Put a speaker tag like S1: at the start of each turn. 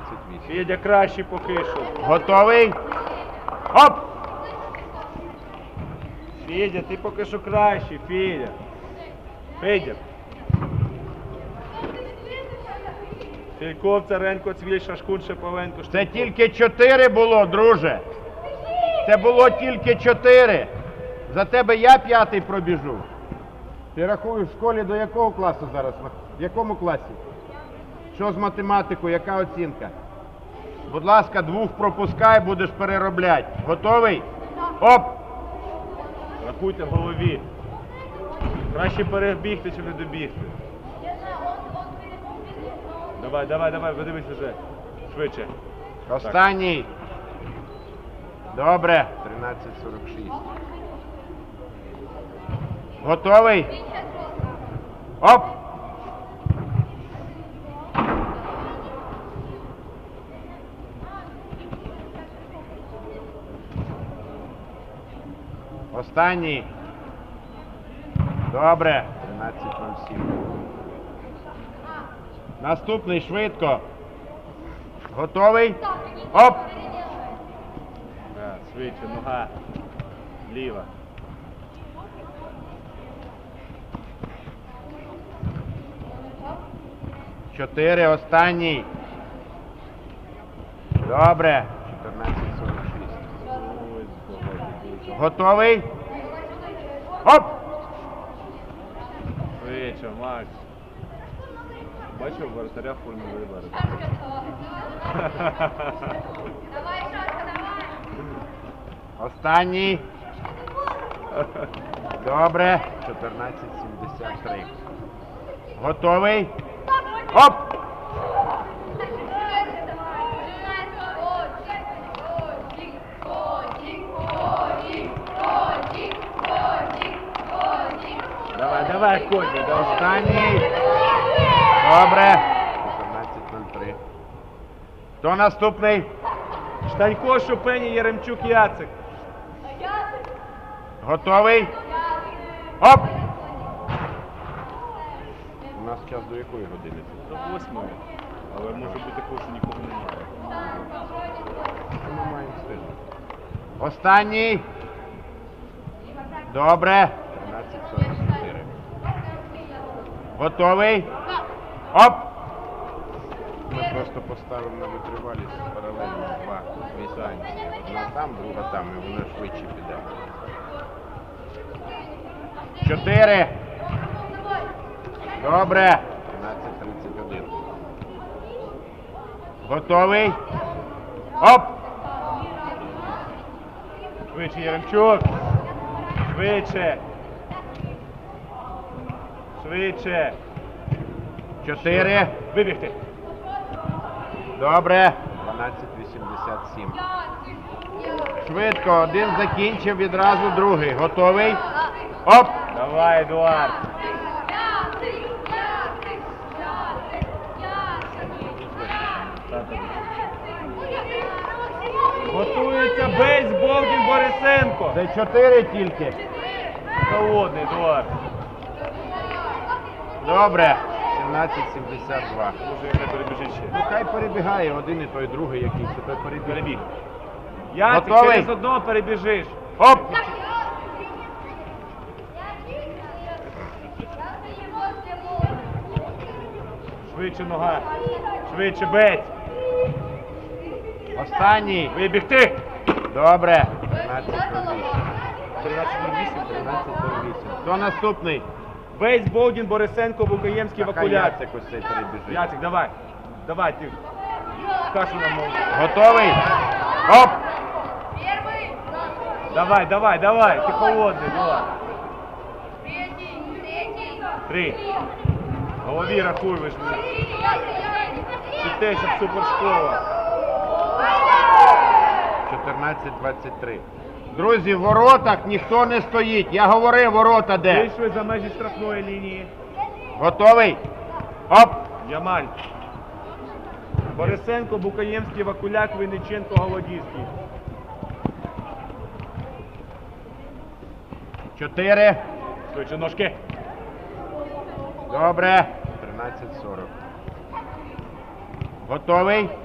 S1: Федя краще поки що.
S2: Готовий? Оп!
S1: Федя, ти поки що кращий, Федя. Федя. Фільков, Царенко, Цвіль, Шашкун, Шеповенко.
S2: Це тільки 4 було, друже. Це було тільки 4. За тебе я 5-й пробіжу. Ти рахуєш в школі до якого класу зараз? В якому класі? Що з математикою? Яка оцінка? Будь ласка, 2 пропускай, будеш переробляти. Готовий? Оп!
S1: Рахуйте в голові. Краще перебігти, чи не добігти. Давай, давай, давай, подивись вже. Швидше.
S2: Останній. Добре. 13:46. Готовий? Оп! Останній. Добре. 13:07. Наступний швидко. Готовий? Оп!
S1: Да, швидше, нога. Ліва.
S2: Чотири, останній. Добре. 14:46. Готовий? Оп!
S1: Швидше, Макс. Бачив, воротаря фульми вибори.
S2: Останній. Добре. 14:73. Готовий? Оп!
S1: Давай, давай, Коді, давай.
S2: Останній. Добре. 14:03. Хто наступний?
S1: Штанько, Шупені, Яремчук, Яцик.
S2: Готовий? Оп! У нас час до якої години?
S1: До 8-ї. Але може бути такого, що нікого немає.
S2: Ми маємо встигнути. Останній. Добре. 13:44. Готовий? Оп! Ми просто поставимо на витривалість паралельно 2 дистанції. Одна там, друга там, і воно швидше піде. 4. Добре. 13:31. Готовий? Оп!
S1: Швидше, Яремчук. Швидше. Швидше.
S2: 4.
S1: Вибігти.
S2: Добре. 12:87. Швидко. Один закінчив, відразу другий. Готовий? Оп!
S1: Давай, Едуард. Готується Бейс, Болдін, Борисенко.
S2: Це 4 тільки.
S1: Холодний, Едуард.
S2: Добре. 17:72.
S1: Може, яка перебіжить ще.
S2: Ну хай перебігає один і той другий якийсь, і той перебіг.
S1: Перебіг. Яцик,
S2: Готовий?
S1: через одного перебіжиш.
S2: Оп!
S1: Швидше нога. Швидше, Бейс.
S2: Останній.
S1: Вибігти.
S2: Добре. 13:08.
S1: 13:08.
S2: 13:08. Хто наступний?
S1: Бейс, Болдін, Борисенко, Букаємський,
S2: Хай
S1: Вакуляк.
S2: Яцик ось цей перебіжить.
S1: Яцик, давай. Давай, ти. Кашу нам мов.
S2: Готовий? Оп!
S1: Давай, давай, давай. Ти холодний, давай. 3. В голові рахуй, ви ж мені. Читайся в супершкола.
S2: 14:23. Друзі, в воротах ніхто не стоїть. Я говорив, ворота де.
S1: Вийшли за межі штрафної лінії.
S2: Готовий? Оп!
S1: Ямаль. Борисенко, Букаємський, Вакуляк, Винниченко, Голодівський.
S2: 4.
S1: Швидше ножки.
S2: Добре. 13:40. Готовий?